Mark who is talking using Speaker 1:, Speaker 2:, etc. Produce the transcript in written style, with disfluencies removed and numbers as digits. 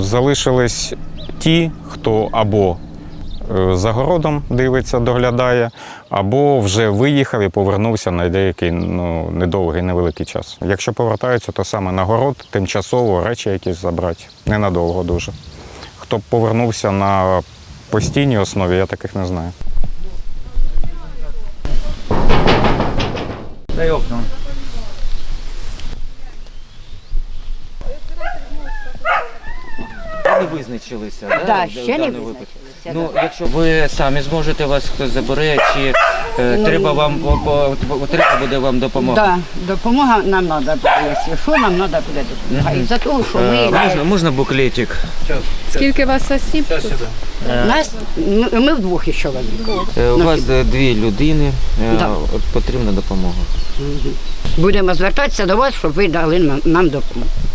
Speaker 1: Залишились ті, хто або за городом дивиться, доглядає, або вже виїхав і повернувся на деякий недовгий, невеликий час. Якщо повертаються, то саме на город, тимчасово речі якісь забрати, ненадовго дуже. Хто б повернувся на постійній основі, я таких не знаю.
Speaker 2: Дай окно. Не визначилися,
Speaker 3: Да,
Speaker 2: в
Speaker 3: ще не
Speaker 2: даному випадку?
Speaker 3: визначилися.
Speaker 2: Ну, якщо ви самі зможете, вас хтось забере, чи треба буде вам допомога?
Speaker 3: Да, допомога нам треба буде, якщо що, нам треба буде допомога. І за того, що
Speaker 2: Можна буклетик?
Speaker 4: Скільки вас осіб?
Speaker 3: ми вдвох із чоловіком.
Speaker 2: У вас 2 людини,
Speaker 3: Да.
Speaker 2: потрібна допомога.
Speaker 3: Будемо звертатися до вас, щоб ви дали нам допомогу.